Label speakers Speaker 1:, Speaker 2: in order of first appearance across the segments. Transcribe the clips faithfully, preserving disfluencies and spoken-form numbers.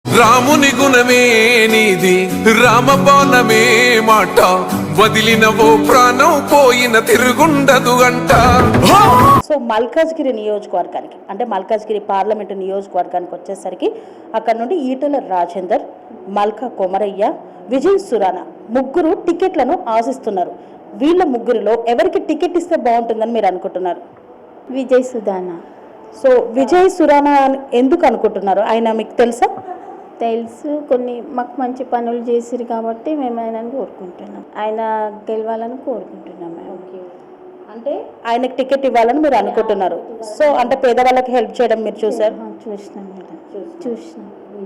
Speaker 1: రాముని గుణమే నీది రామబాణమే మాట వదిలినవో ప్రాణం పోయిన తిరుగుండదు అంట.
Speaker 2: సో మల్కాజ్గిరి నియోజకవర్గానికి అంటే మల్కాజ్గిరి పార్లమెంటు నియోజకవర్గానికి వచ్చేసరికి అక్కడ నుండి ఈటెల రాజేందర్, మల్కా కొమరయ్య, విజయ్ సురానా ముగ్గురు టికెట్లను ఆశిస్తున్నారు. వీళ్ళ ముగ్గురిలో ఎవరికి టికెట్ ఇస్తే బాగుంటుందని మీరు అనుకుంటున్నారు?
Speaker 3: విజయ్ సుధానా.
Speaker 2: సో విజయ్ సురానా ఎందుకు అనుకుంటున్నారు? ఆయన మీకు తెలుసా?
Speaker 3: తెలుసు, కొన్ని మాకు మంచి పనులు చేసిరు కాబట్టి మేము ఆయనని కోరుకుంటున్నాం. ఆయన గెలవాలని కోరుకుంటున్నాం మేము.
Speaker 2: అంటే ఆయనకు టికెట్ ఇవ్వాలని మీరు అనుకుంటున్నారు. సో అంటే పేదవాళ్ళకి హెల్ప్ చేయడం మీరు చూసారు?
Speaker 3: చూసినాం మేడం, చూసినాం.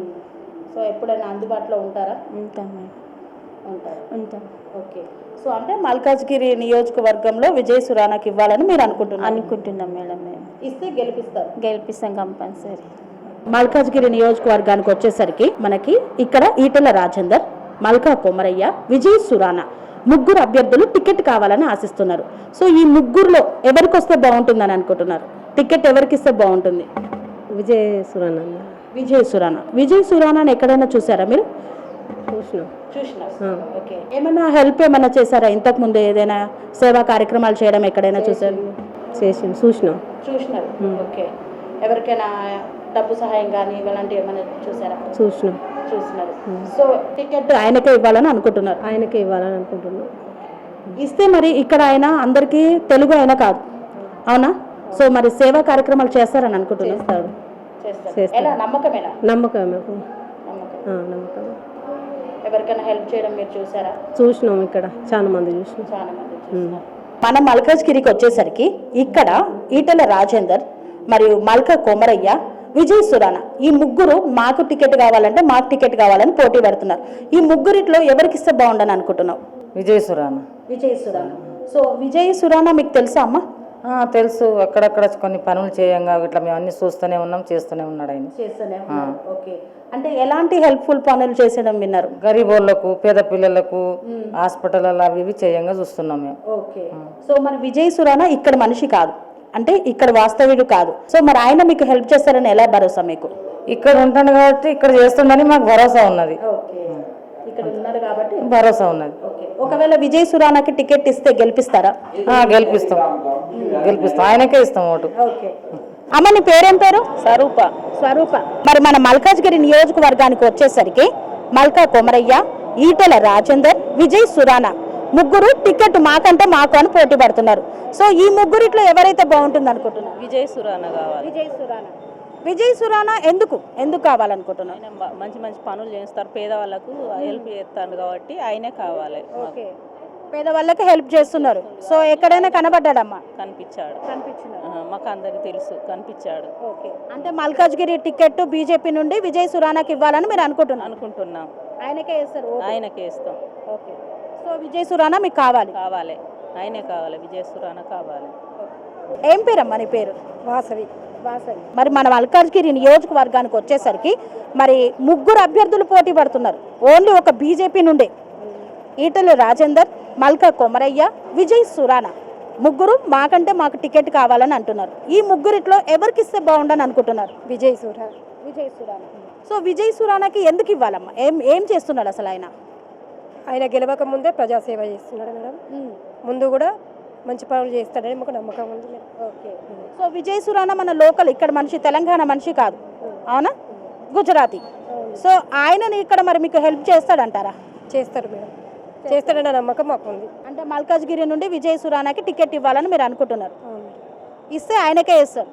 Speaker 2: సో ఎప్పుడైనా అందుబాటులో ఉంటారా?
Speaker 3: ఉంటాం మేడం,
Speaker 2: ఉంటారు
Speaker 3: ఉంటాం.
Speaker 2: ఓకే. సో అంటే మల్కాజ్గిరి నియోజకవర్గంలో విజయ్ సురానాకి ఇవ్వాలని మీరు అనుకుంటున్నారు?
Speaker 3: అనుకుంటున్నాం మేడం. మేము
Speaker 2: ఇస్తే గెలిపిస్తారు?
Speaker 3: గెలిపిస్తాం కంపల్సరీ.
Speaker 2: మల్కాజ్గిరి నియోజకవర్గానికి వచ్చేసరికి మనకి ఇక్కడ ఈటెల రాజేందర్, మల్కా కొమరయ్య, విజయ్ సురానా ముగ్గురు అభ్యర్థులు టికెట్ కావాలని ఆశిస్తున్నారు. సో ఈ ముగ్గురులో ఎవరికి వస్తే బాగుంటుందని అనుకుంటున్నారు? టికెట్ ఎవరికి ఇస్తే బాగుంటుంది?
Speaker 4: విజయ్ సురానా.
Speaker 2: విజయ్ సురానా. విజయ్ సురానాని ఎక్కడైనా చూసారా మీరు?
Speaker 4: చూసినాం.
Speaker 2: చూసినా. ఓకే. ఏమైనా హెల్ప్ ఏమైనా చేశారా ఇంతకు ముందు? ఏదైనా సేవా కార్యక్రమాలు చేయడం ఎక్కడైనా చూసారు?
Speaker 4: చేసి చూసినాం.
Speaker 2: చూసినారు. ఓకే. ఎవరికైనా డబ్బు సహాయం కానీ ఇలాంటివి ఏమైనా చూసారా?
Speaker 4: చూసినాం.
Speaker 2: చూసినారు. సో టికెట్ ఆయనకే ఇవ్వాలని అనుకుంటున్నారు?
Speaker 4: ఆయనకే ఇవ్వాలని అనుకుంటున్నాం.
Speaker 2: ఇస్తే మరి ఇక్కడ ఆయన అందరికీ తెలుగు ఆయన కాదు, అవునా? సో మరి సేవా కార్యక్రమాలు చేస్తారని అనుకుంటున్నారు?
Speaker 4: చేస్తారు.
Speaker 2: నమ్మకమేనా?
Speaker 4: నమ్మకమే.
Speaker 2: నమ్మకం.
Speaker 4: నమ్మకం.
Speaker 2: ఎవరికైనా హెల్ప్ చేయడం మీరు చూసారా?
Speaker 4: చూసినాం. ఇక్కడ చాలా మంది చూసినాం.
Speaker 2: చాలా మంది చూసినారు. మన మల్కాజ్గిరికి వచ్చేసరికి ఇక్కడ ఈటెల రాజేందర్ మరియు మల్కా కొమరయ్య, విజయ్ సురానా ఈ ముగ్గురు మాకు టికెట్ కావాలంటే మాకు టికెట్ కావాలని పోటీ పడుతున్నారు. ఈ ముగ్గురిట్లో ఎవరికి ఇస్తే బాగుండని అనుకుంటున్నావు?
Speaker 5: విజయ్ సురానా.
Speaker 2: విజయ్ సురానా. సో విజయ్ సురానా మీకు తెలుసా అమ్మా?
Speaker 5: తెలుసు. అక్కడక్కడ కొన్ని పనులు చేయంగా ఇట్లా మేము అన్ని చూస్తూనే ఉన్నాం, చేస్తూనే ఉన్నాడు ఆయన.
Speaker 2: చేస్తూనే ఉన్నారు. ఓకే. అంటే ఎలాంటి హెల్ప్ఫుల్ పనులు చేసేయడం విన్నారు?
Speaker 5: గరీబోళ్ళకు, పేద పిల్లలకు హాస్పిటల్ అవి ఇవి చేయంగా చూస్తున్నాం మేము.
Speaker 2: ఓకే. సో మరి విజయ్ సురానా ఇక్కడ మనిషి కాదు, అంటే ఇక్కడ వాస్తవ్యుడు కాదు. సో మరి ఆయన మీకు హెల్ప్ చేస్తారని ఎలా భరోసా మీకు?
Speaker 5: ఇక్కడ ఉంటాను కాబట్టి ఇక్కడ చేస్తుందని మాకు భరోసా ఉన్నది.
Speaker 2: ఇక్కడ ఉన్నారు కాబట్టి
Speaker 5: భరోసా ఉన్నది.
Speaker 2: ఒకవేళ విజయ్ సురానాకి టికెట్ ఇస్తే గెలిపిస్తారా?
Speaker 5: గెలిపిస్తాం. గెలిపిస్తాం. ఆయనకే ఇస్తాం ఓటు.
Speaker 2: అమ్మ నీ పేరేం పేరు?
Speaker 5: స్వరూప.
Speaker 2: స్వరూప. మరి మన మల్కాజ్గిరి నియోజకవర్గానికి వచ్చేసరికి మల్కా కొమరయ్య, ఈటెల రాజేందర్, విజయ్ సురానా ముగ్గురు టికెట్ మాకంటే మాకు అని పోటీ పడుతున్నారు. సో ఈ ముగ్గురిట్లో ఎవరైతే బాగుంటుంది అనుకుంటున్నారు?
Speaker 6: విజయ్ సురానా కావాలి.
Speaker 2: విజయ్ సురానా. విజయ్ సురానా ఎందుకు ఎందుకు కావాలనుకుంటున్నారు?
Speaker 6: ఆయన మంచి మంచి పనులు చేస్తారు, పేదవాళ్ళకు హెల్ప్ చేస్తాడు కాబట్టి ఆయనే కావాలి.
Speaker 2: ఓకే. పేదవాళ్ళకి హెల్ప్ చేస్తున్నారు. సో ఎక్కడైనా కనబడ్డాడమ్మా?
Speaker 6: కనిపించాడు.
Speaker 2: కనిపించినాడు.
Speaker 6: మాకు అందరికి తెలుసు, కనిపించాడు.
Speaker 2: ఓకే. అంటే మల్కాజ్గిరి టికెట్ బీజేపీ నుండి విజయ్ సురానాకి ఇవ్వాలని మీరు అనుకుంటున్నారు?
Speaker 6: అనుకుంటున్నాం.
Speaker 2: ఆయనకే ఇస్తారు?
Speaker 6: ఆయనకే ఇస్తాం.
Speaker 2: ఓకే. సో విజయ్ సురానా మీకు కావాలి?
Speaker 6: కావాలి. ఆయనే కావాలి. విజయ్ సురానా కావాలి.
Speaker 2: ఏం పేరమ్మా నీ పేరు?
Speaker 4: వాసవి.
Speaker 2: వాసవి. మరి మన మల్కాజ్గిరి నియోజకవర్గానికి వచ్చేసరికి మరి ముగ్గురు అభ్యర్థులు పోటీ పడుతున్నారు ఓన్లీ ఒక బీజేపీ నుండే. ఈటెల రాజేందర్, మల్కా కొమరయ్య, విజయ్ సురానా ముగ్గురు మాకంటే మాకు టికెట్ కావాలని అంటున్నారు. ఈ ముగ్గురిట్లో ఎవరికి ఇస్తే బాగుండని అనుకుంటున్నారు?
Speaker 4: విజయ్ సురానా.
Speaker 2: విజయ్ సురానా. సో విజయ్ సురానాకి ఎందుకు ఇవ్వాలమ్మా? ఏం ఏం చేస్తున్నాడు అసలు ఆయన?
Speaker 4: ఆయన గెలవక ముందే ప్రజాసేవ చేస్తున్నాడు మేడం. ముందు కూడా మంచి పనులు చేస్తాడని మాకు నమ్మకం ఉంది madam.
Speaker 2: Okay. So Vijay Surana మన లోకల్ ఇక్కడ మనిషి, తెలంగాణ మనిషి కాదు, అవునా? గుజరాతీ. సో ఆయనని ఇక్కడ మరి మీకు హెల్ప్ చేస్తాడంటారా?
Speaker 4: చేస్తారు మేడం. చేస్తాడన్న నమ్మకం మాకు ఉంది.
Speaker 2: అంటే మల్కాజ్గిరి నుండి విజయ్ సురానాకి టికెట్ ఇవ్వాలని మీరు అనుకుంటున్నారు? ఇస్తే ఆయనకే ఇస్తారు.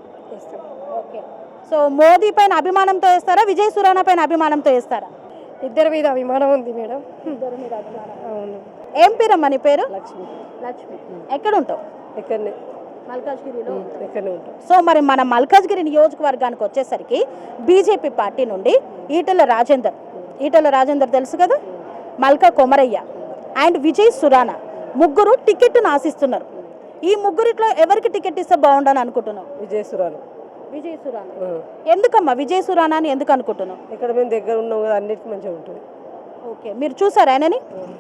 Speaker 2: ఓకే. సో మోదీ పైన అభిమానంతో వేస్తారా, విజయ్ సురానా పైన అభిమానంతో వేస్తారా?
Speaker 4: ఇద్దరి మీద అభిమానం ఉంది మేడం.
Speaker 2: ఇద్దరి మీద అభిమానం.
Speaker 4: అవును.
Speaker 2: ఏం పేరమ్మా నీ పేరు?
Speaker 4: లక్ష్మి.
Speaker 2: లక్ష్మి. ఎక్కడ ఉంటావు?
Speaker 4: ఇక్కడనే.
Speaker 2: మల్కాజ్గిరిలో.
Speaker 4: ఇక్కడనే ఉంటాం.
Speaker 2: సో మరి మన మల్కాజ్గిరి నియోజకవర్గానికి వచ్చేసరికి బీజేపీ పార్టీ నుండి ఈటెల రాజేందర్, ఈటెల రాజేందర్ తెలుసు కదా, మల్కా కొమరయ్య అండ్ విజయ్ సురానా ముగ్గురు టికెట్ను ఆశిస్తున్నారు. ఈ ముగ్గురిట్లో ఎవరికి టికెట్ ఇస్తే బాగుండని అనుకుంటున్నావు?
Speaker 4: విజయ్ సురానా.
Speaker 2: విజయ్ సురానా. ఎందుకమ్మా విజయ్ సురానా అని ఎందుకు అనుకుంటున్నావు?
Speaker 4: ఇక్కడ మేము దగ్గర ఉన్నాం కదా, అన్నిటికీ మంచిగా ఉంటుంది.
Speaker 2: ఓకే. మీరు చూసారా ఆయనని?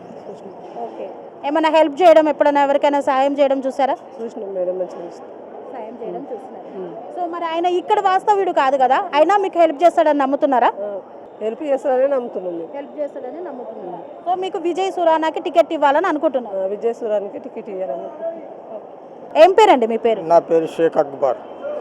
Speaker 2: ఓకే. ఏమైనా హెల్ప్ చేయడం, ఎప్పుడైనా ఎవరికైనా సాయం చేయడం చూసారా?
Speaker 4: చూసినాం మేడం. మంచిగా
Speaker 2: సాయం చేయడం చూస్తున్నారు. సో మరి ఆయన ఇక్కడ వాస్తవ్యుడు కాదు కదా, అయినా మీకు హెల్ప్ చేస్తాడని నమ్ముతున్నారా?
Speaker 4: హెల్ప్ చేస్తారని నమ్ముతున్నాం మేము.
Speaker 2: హెల్ప్ చేస్తాడని నమ్ముతున్నారు. సో మీకు విజయ్ సురానాకి టికెట్ ఇవ్వాలని అనుకుంటున్నారు.
Speaker 4: ఆ, విజయ్ సూరానికి టికెట్ ఇవ్వాలని.
Speaker 2: ఏం పేరండి మీ పేరు?
Speaker 7: నా పేరు షేక్ అక్బర్,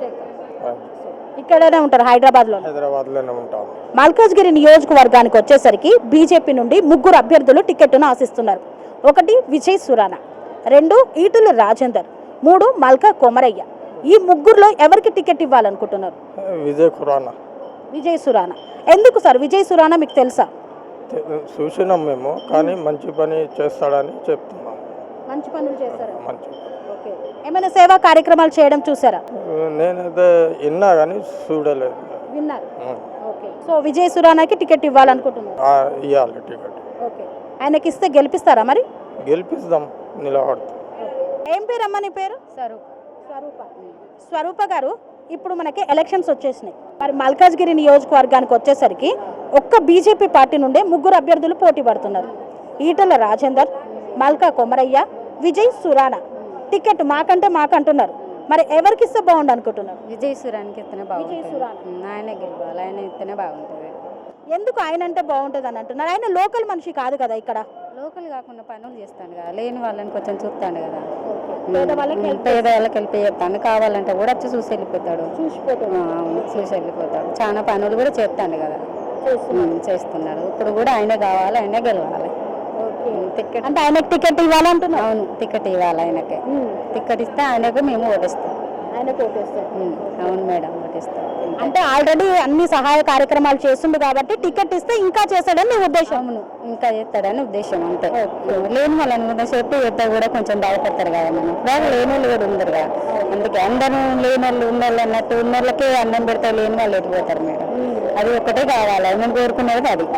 Speaker 2: ఇక్కడనే ఉంటారు హైదరాబాద్లో.
Speaker 7: హైదరాబాద్లోనే ఉంటాను.
Speaker 2: మల్కాజ్గిరి నియోజకవర్గానికి వచ్చేసరికి బీజేపీ నుండి ముగ్గురు అభ్యర్థులు టికెట్ను ఆశిస్తున్నారు. ఒకటి విజయ్ సురానా, రెండు ఈటుల రాజేందర్, మూడు మల్కా కొమరయ్య. ఈ ముగ్గురులో ఎవరికి టికెట్ ఇవ్వాలనుకుంటున్నారు?
Speaker 7: విజయ్ ఖురానా
Speaker 2: విజయ్ సురానా. ఎందుకు సార్ విజయ్ సురానా మీకు తెలుసా?
Speaker 7: తె- చూసినాం మేము, కానీ మంచి పని చేస్తాడని చెప్తున్నాం.
Speaker 2: మంచి పనులు చేస్తారా?
Speaker 7: మంచి
Speaker 2: ఓకే. ఏమైనా సేవా కార్యక్రమాలు చేయడం చూసారా?
Speaker 7: నేనైతే విన్నా కానీ చూడలేదు.
Speaker 2: విన్నారు. ఓకే. సో విజయ్ సురానాకి టికెట్ ఇవ్వాలనుకుంటున్నారు.
Speaker 7: ఆ, ఇవ్వాలి టికెట్.
Speaker 2: ఓకే. ఆయనకి ఇస్తే గెలిపిస్తారా మరి?
Speaker 7: గెలిపిస్తాం, నిలబడతాం.
Speaker 2: ఏం పేరు అమ్మ నీ పేరు? స్వరూప. స్వరూప. స్వరూప గారు, ఇప్పుడు మనకి ఎలక్షన్స్ వచ్చేసినాయి. మరి మల్కాజ్గిరి నియోజకవర్గానికి వచ్చేసరికి ఒక్క బీజేపీ పార్టీ నుండే ముగ్గురు అభ్యర్థులు పోటీ పడుతున్నారు. ఈటల రాజేందర్, మల్కా కొమరయ్య, విజయ్ సురానా. టికెట్ మాకంటే మాకంటున్నారు. మరి ఎవరికి ఇస్తే బాగుండు అనుకుంటున్నారు?
Speaker 8: విజయ్ సురానికి ఇస్తేనే
Speaker 2: విజయ్
Speaker 8: బాగుంటుంది.
Speaker 2: సురానా.
Speaker 8: ఉమ్, ఆయనే గెలవాలి, ఆయన ఇస్తేనే బాగుంటుంది.
Speaker 2: ఎందుకు ఆయన అంటే బాగుంటుంది అని అంటున్నారు? ఆయన లోకల్ మనిషి కాదు కదా ఇక్కడ.
Speaker 8: లోకల్ కాకుండా పనులు చేస్తాను కదా, లేని వాళ్ళని కొంచెం చూస్తాను కదా.
Speaker 2: పేదవాళ్ళకి
Speaker 8: ఉమ్,
Speaker 2: help
Speaker 8: పేదవాళ్ళకి వెళ్ళి చెప్తాను, కావాలంటే కూడా వచ్చి చూసి వెళ్ళిపోతాడు.
Speaker 2: చూసిపోతుంది.
Speaker 8: ఆ, అవును, చూసి వెళ్ళిపోతాడు. చాలా పనులు కూడా చేస్తాను కదా. ఉమ్, చేస్తున్నాడు. ఇప్పుడు కూడా ఆయనే కావాలి, ఆయనే గెలవాలి. ఉమ్, టికెట్
Speaker 2: అంటే ఆయనకి టికెట్ ఇవ్వాలంటున్నారు.
Speaker 8: అవును, టికెట్ ఇవ్వాలి ఆయనకి. టికెట్ ఇస్తే ఆయనకు మేము ఓటిస్తాం.
Speaker 2: ఆయన ఓటేస్తారు.
Speaker 8: ఉమ్, అవును మేడం, ఓటిస్తాం.
Speaker 2: అంటే ఆల్రెడీ అన్ని సహాయ కార్యక్రమాలు చేస్తుండు కాబట్టి టికెట్ ఇస్తే ఇంకా చేస్తాడని మీ ఉద్దేశం.
Speaker 8: అవును, ఇంకా చేస్తాడని ఉద్దేశం అంతే. లేని వాళ్ళని కూడా చెప్పి చేస్తే కూడా కొంచెం బాధపడతారు కదా మనం. బాగా లేని వాళ్ళు కూడా ఉండరు కదా, అందుకే అందరూ లేని వాళ్ళు ఉన్న వాళ్ళు అన్నట్టు ఉన్న వాళ్ళకే అన్నం పెడతారు, లేని వాళ్ళు ఎట్టిపోతారు మేడం. అది ఒకటే కావాలి, మేము కోరుకునేది అది.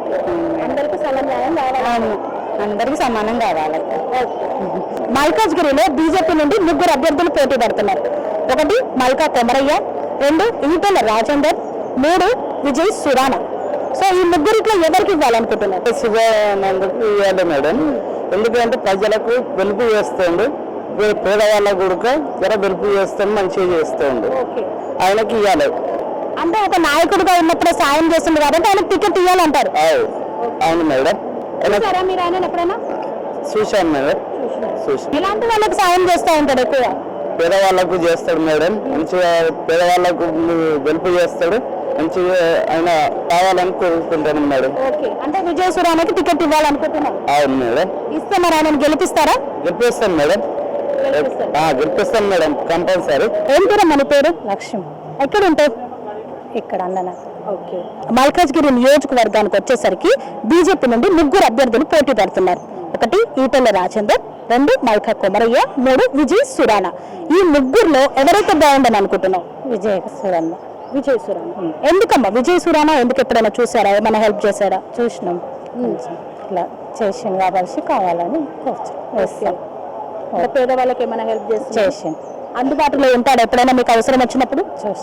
Speaker 2: అందరికీ సమన్వయం కావాలి.
Speaker 8: అవును, అందరికీ సమానం కావాలి.
Speaker 2: మల్కాజ్గిరిలో బీజేపీ నుండి ముగ్గురు అభ్యర్థులు పోటీ పడుతున్నారు. ఒకటి మల్కా కొమరయ్య, రెండు ఈటల రాజేందర్, మూడు విజయ్ సురానా. సో ఈ ముగ్గురిట్లో ఎవరికి ఇవ్వాలనుకుంటున్నారు?
Speaker 7: శివానందకు ఇవ్వాలి మేడం. ఎందుకంటే ప్రజలకు వెలుపు చేస్తుండు, పేదవాళ్ళకు కూడా జర వెలుపు చేస్తాడు, మంచిగా చేస్తుండు. ఆయనకి ఇవ్వాలి.
Speaker 2: అంటే ఒక నాయకుడిగా ఉన్నప్పుడు సాయం చేస్తుంది కాబట్టి ఆయనకు టికెట్ ఇవ్వాలంటారు.
Speaker 7: అవును మేడం,
Speaker 2: చూసారా మీరు ఆయన ఎప్పుడైనా?
Speaker 7: చూశాను మేడం, చూసాను.
Speaker 2: ఇలాంటి వాళ్ళకి సాయం చేస్తూ ఉంటాడు ఎక్కువ.
Speaker 7: పేదవాళ్ళకు చేస్తాడు మేడం, మంచిగా పేదవాళ్ళకు వెలుపు చేస్తాడు, మంచిగా ఆయన కావాలని కోరుకుంటాను మేడం.
Speaker 2: ఓకే. అంటే విజయ్ సురానాకి టికెట్ ఇవ్వాలనుకుంటున్నాం.
Speaker 7: అవును మేడం,
Speaker 2: ఇస్తే మరి ఆయన గెలిపిస్తారా?
Speaker 7: గెలిపిస్తాం మేడం. ఆ, గెలిపిస్తాం మేడం, కంపల్సరీ.
Speaker 2: ఏం పేరు మన పేరు?
Speaker 8: లక్ష్మి.
Speaker 2: ఎక్కడ ఉంటావు?
Speaker 8: ఇక్కడ అన్న.
Speaker 2: ఓకే. మల్కాజ్గిరి నియోజకవర్గానికి వచ్చేసరికి బీజేపీ నుండి ముగ్గురు అభ్యర్థులు పోటీ పడుతున్నారు. ఒకటి ఈటల రాజేందర్, రెండు మల్కా కొమరయ్య, మూడు విజయ్ సురానా. ఈ ముగ్గురులో ఎవరైతే బాగుండని అనుకుంటున్నావు?
Speaker 8: విజయ్ సురన్న.
Speaker 2: విజయ్ సురానా. ఎందుకమ్మా విజయ్ సురానా? ఎందుకు ఎప్పుడైనా చూసారా? ఏమైనా హెల్ప్ చేశారా?
Speaker 8: చూసినాం, ఇట్లా చేసిండు కాబట్టి కావాలని కోరుచు
Speaker 2: పేదవాళ్ళకి ఏమైనా హెల్ప్ చేసి
Speaker 8: చేసిండు.
Speaker 2: అందుబాటులో ఉంటాడు ఎప్పుడైనా మీకు అవసరం వచ్చినప్పుడు?
Speaker 8: చూసి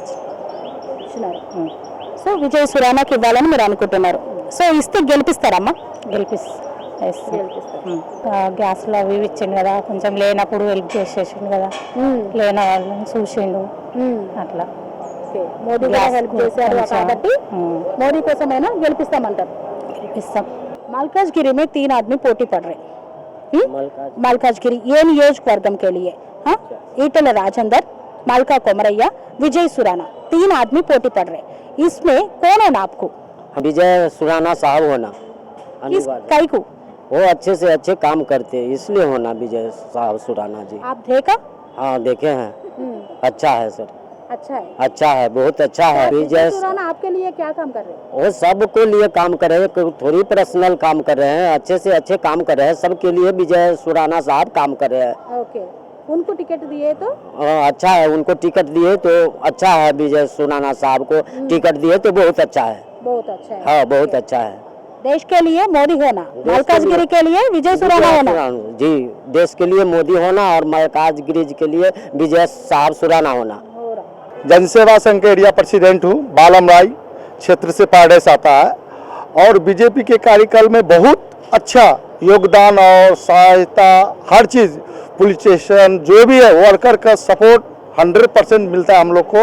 Speaker 2: సో విజయ్ సురానాకి ఇవ్వాలని మీరు అనుకుంటున్నారు. సో ఇస్తే గెలిపిస్తారమ్మా?
Speaker 8: గెలిపిస్తాం. గ్యాస్లో అవి ఇవి ఇచ్చిండు కదా, కొంచెం లేనప్పుడు హెల్ప్ చేసేసిండు కదా, లేని వాళ్ళని చూసిండు అట్లా.
Speaker 2: మోదీ హెల్ప్ చేశారు కాబట్టి మోదీ కోసమైనా గెలిపిస్తామంటారు.
Speaker 8: గెలిపిస్తాం.
Speaker 2: मलकाजगिरी में तीन आदमी पोटी पड़ रहे हैं. मलकाजगिरी ये नियोजकवर्गम के लिए हाँ ईटल राजेंदर, मलका कोमरैया, विजय सुराना तीन आदमी पोटी पड़ रहे हैं. इसमें कौन है ना आपको?
Speaker 9: विजय सुराना साहब होना
Speaker 2: किस कई को?
Speaker 9: वो अच्छे से अच्छे काम करते हैं, इसलिए होना विजय साहब सुराना जी.
Speaker 2: आप देखा?
Speaker 9: हाँ देखे हैं, अच्छा है सर,
Speaker 2: अच्छा है.
Speaker 9: अच्छा है, बहुत अच्छा है. विजय
Speaker 2: सुराना आपके लिए क्या काम कर रहे हैं?
Speaker 9: वो सबको लिए काम कर रहे हैं, कोई थोड़ी पर्सनल काम कर रहे हैं, अच्छे से अच्छे काम कर रहे हैं, सबके लिए विजय सुराना साहब काम कर रहे हैं.
Speaker 2: ओके. उनको टिकट दिए तो
Speaker 9: हाँ, अच्छा है, उनको टिकट दिए तो अच्छा है, विजय सुराना साहब को टिकट दिए तो बहुत अच्छा है.
Speaker 2: बहुत अच्छा है.
Speaker 9: हाँ बहुत अच्छा है.
Speaker 2: देश के लिए मोदी होना, मलकाजगिरी के लिए विजय सुराना होना.
Speaker 9: जी, देश के लिए मोदी होना और मलकाजगिरी के लिए विजय साहब सुराना होना.
Speaker 7: जनसेवा संघ के एरिया प्रेसिडेंट हूँ, बालम राय क्षेत्र से पारडेस आता है और बीजेपी के कार्यकाल में बहुत अच्छा योगदान और सहायता, हर चीज़ पुलिस स्टेशन जो भी है वर्कर का सपोर्ट हंड्रेड परसेंट मिलता है हम लोग को.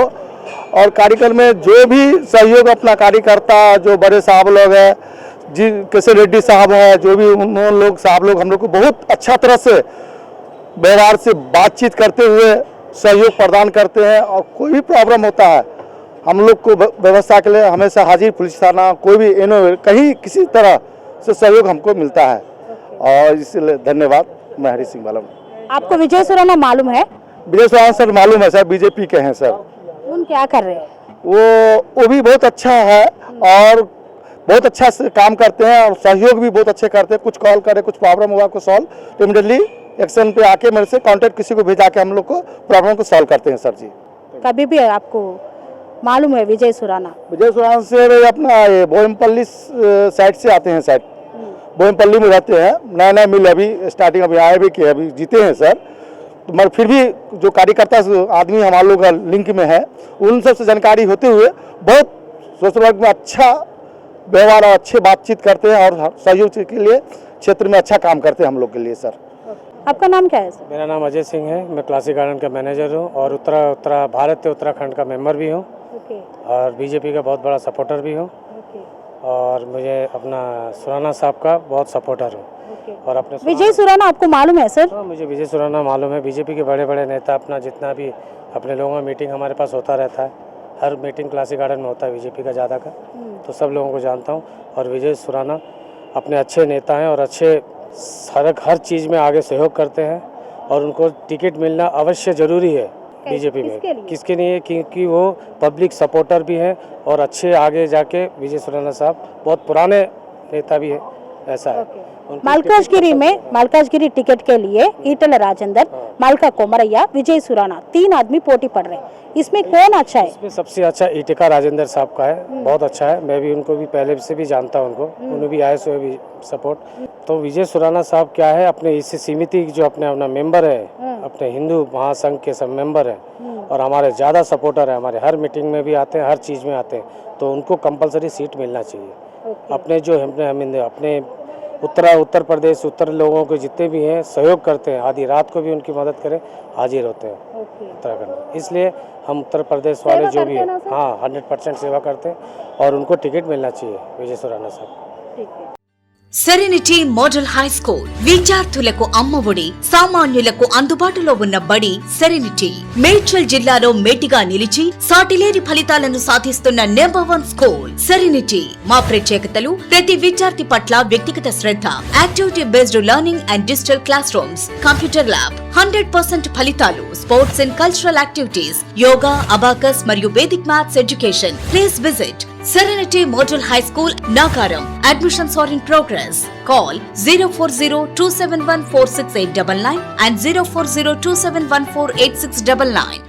Speaker 7: और कार्यक्रम में जो भी सहयोग अपना कार्यकर्ता जो बड़े साहब लोग हैं, जी किशन रेड्डी साहब है, जो भी उन लोग साहब लोग हम लोग को बहुत अच्छा तरह से व्यवहार से बातचीत करते हुए सहयोग प्रदान करते हैं। और कोई भी प्रॉब्लम होता है हम लोग को व्यवस्था के लिए हमेशा हाजिर पुलिस थाना कोई भी एनो कहीं किसी तरह से सहयोग हमको मिलता है और इसलिए धन्यवाद। मैं हरी सिंह बालम।
Speaker 2: आपको विजय सुराना मालूम है?
Speaker 7: विजय सुराना सर मालूम है सर, बीजेपी के हैं सर।
Speaker 2: उन क्या कर रहे हैं?
Speaker 7: वो वो भी बहुत अच्छा है और बहुत अच्छा से काम करते हैं और सहयोग भी बहुत अच्छे करते हैं। कुछ कॉल करे, कुछ प्रॉब्लम हुआ को सॉल्व इमीडिएटली एक्शन पे आके मेरे से कांटेक्ट किसी को भेजा के हम लोग को प्रॉब्लम को सॉल्व करते हैं सर जी।
Speaker 2: कभी भी आपको मालूम है विजय सुराना?
Speaker 7: विजय सुराना से अपना ये बोयमपल्ली साइड से आते हैं, साइड बोयमपल्ली में रहते हैं। नया नया मिल अभी स्टार्टिंग अभी आए भी किए, अभी जीते हैं सर। तो मगर फिर भी जो कार्यकर्ता आदमी हमारे लोग का लिंक में है उन सब से जानकारी होते हुए बहुत सोशल वर्क में अच्छा व्यवहार और अच्छे बातचीत करते हैं और सहयोग के लिए क्षेत्र में अच्छा काम करते हैं हम लोग के लिए सर।
Speaker 2: आपका नाम क्या है सर?
Speaker 10: मेरा नाम अजय सिंह है, मैं क्लासिक गार्डन का मैनेजर हूँ और उत्तरा उत्तरा भारत के उत्तराखंड का मेंबर भी हूँ और बीजेपी का बहुत बड़ा सपोर्टर भी हूँ और मुझे अपना सुराना साहब का बहुत सपोर्टर हूँ। और अपने
Speaker 2: विजय सुराना आपको मालूम है सर?
Speaker 10: हाँ, मुझे विजय सुराना मालूम है। बीजेपी के बड़े बड़े नेता अपना जितना भी अपने लोगों में मीटिंग हमारे पास होता रहता है, हर मीटिंग क्लासिक गार्डन में होता है बीजेपी का ज़्यादा का, तो सब लोगों को जानता हूँ। और विजय सुराना अपने अच्छे नेता हैं और अच्छे हर हर चीज़ में आगे सहयोग करते हैं और उनको टिकट मिलना अवश्य ज़रूरी है बीजेपी में।
Speaker 2: किसके लिए?
Speaker 10: किसके लिए? क्योंकि वो पब्लिक सपोर्टर भी हैं और अच्छे आगे जाके विजय सुराना साहब बहुत पुराने नेता भी है, ऐसा है।
Speaker 2: मलकाजगिरी में मलकाजगिरी टिकट के लिए ईटल राजेंद्र, मलका कोमरैया, विजय सुराना तीन आदमी पोटी पड़ रहे हैं। इसमें कौन अच्छा है?
Speaker 10: इसमें सबसे अच्छा ईटिका राजेंद्र साहब का है, बहुत अच्छा है। मैं भी उनको भी पहले से भी जानता हूं, उनको उन्हें भी आए सो भी सपोर्ट। तो विजय सुराना साहब क्या है, अपने इससे सीमित जो अपने अपना मेंबर है, अपने हिंदू महासंघ के सब मेंबर है और हमारे ज़्यादा सपोर्टर है, हमारे हर मीटिंग में भी आते हैं, हर चीज़ में आते हैं, तो उनको कंपलसरी सीट मिलना चाहिए। अपने जो हमने हम अपने उत्तरा उत्तर प्रदेश उत्तर लोगों के जितने भी हैं सहयोग करते हैं, आधी रात को भी उनकी मदद करें, हाजिर होते हैं उत्तराखंड। इसलिए हम उत्तर प्रदेश वाले जो भी हैं, हाँ हंड्रेड परसेंट सेवा करते हैं और उनको टिकट मिलना चाहिए विजय सुराना साहब।
Speaker 11: సెరెనిటీ మోడల్ హై స్కూల్ విద్యార్థులకు అమ్మఒడి, సామాన్యులకు అందుబాటులో ఉన్న బడి సెరెనిటీ. మేడ్చల్ జిల్లాలో మేటిగా నిలిచి సాటిలేని ఫలితాలను సాధిస్తున్న నెంబర్ వన్ స్కూల్ సెరెనిటీ. మా ప్రత్యేకతలు ప్రతి విద్యార్థి పట్ల వ్యక్తిగత శ్రద్ధ, activity based learning and digital classrooms, computer lab, hundred percent ఫలితాలు, sports and cultural activities, yoga, abacus మరియు Vedic maths education. Please visit Serenity Model High School, Nagaram. Admissions are in progress. Call zero four zero two seven one four six eight nine nine and zero four zero two seven one four eight six nine nine.